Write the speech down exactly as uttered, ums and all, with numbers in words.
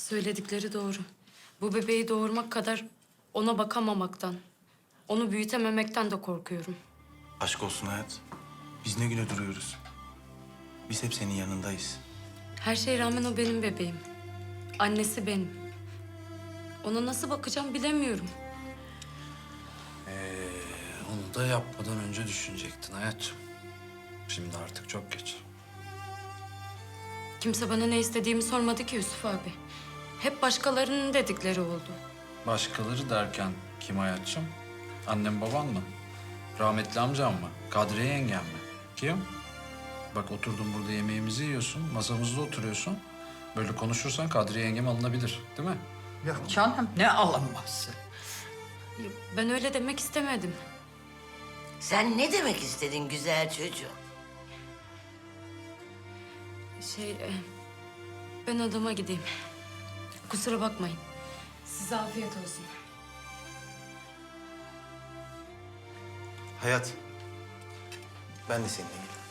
Söyledikleri doğru. Bu bebeği doğurmak kadar ona bakamamaktan, onu büyütememekten de korkuyorum. Aşk olsun hayat. Biz ne güne duruyoruz. Biz hep senin yanındayız. Her şeye rağmen o benim bebeğim. Annesi benim. Ona nasıl bakacağım bilemiyorum. Ee, onu da yapmadan önce düşünecektin hayatım. Şimdi artık çok geç. Kimse bana ne istediğimi sormadı ki Yusuf abi. Hep başkalarının dedikleri oldu. Başkaları derken kim hayatçım? Annem baban mı? Rahmetli amcam mı? Kadriye yengem mi? Kim? Bak oturdun burada yemeğimizi yiyorsun, masamızda oturuyorsun. Böyle konuşursan Kadriye yengem alınabilir, değil mi? Yok canım, ne alınması? Ya, ben öyle demek istemedim. Sen ne demek istedin güzel çocuğum? Şey, e, ben odama gideyim. Kusura bakmayın. Size afiyet olsun. Hayat. Ben de seninle geleyim.